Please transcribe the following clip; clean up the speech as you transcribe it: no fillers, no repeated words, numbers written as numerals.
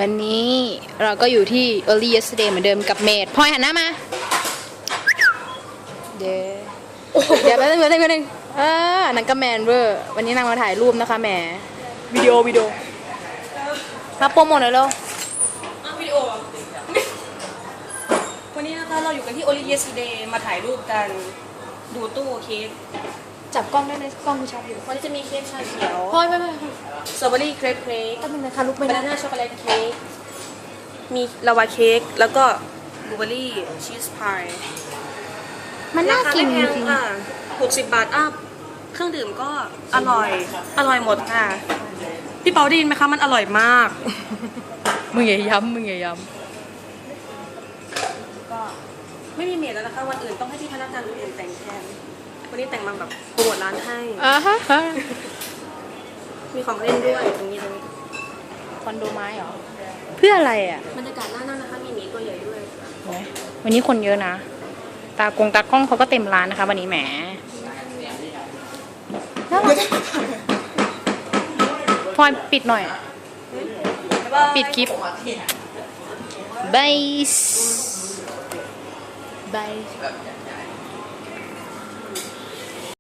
วันนี้เราก็อยู่ที่ Early Yesterday เหมือนเดิมกับเมดพลอยหันหน้ามาเดี๋ยวแป๊บนึงนังก็แมนเวอร์วันนี้นางมาถ่ายรูปนะคะแหมวิดีโอมาโปรโมทหน่อยเร็ววิดีโอวันนี้นะคะเราอยู่กันที่ Only Yesterday มาถ่ายรูปกันดูตู้เค้กจับกล้องได้ในกล้องกูชัดอยู่วันนี้จะมีเค้กชาเขียวพลอยไปสตรอเบอรี่เครปเค้กก็เป็นนะคะลุกไปบานาน่าช็อกโกแลตเค้กมีลาวาเค้กแล้วก็บลูเบอร์รี่ชีสพายมันน่ากินจไม่แพริงงค่ะ60 บาทอัพเครื่องดื่มก็อร่อยหมดค่ะพี่เปาได้ยินไหมคะมันอร่อยมากมึงอย่าย้ำก็ไม่มีเมดแล้วนะคะวันอื่นต้องให้พี่พนักงานคนอื่นแต่งแทนวันนี้แต่งมาแบบโปรโมทร้านให้ฮะมีของเล่นด้วยตรงนี้คอนโดไม้เหรอเพื่ออะไรอ่ะบรรยากาศน่านั่งนะคะมีหมีตัวใหญ่ด้วยวันนี้คนเยอะนะตากล้องเขาก็เต็มร้านนะคะวันนี้แหมพลอยปิดหน่อย ปิดคลิปบาย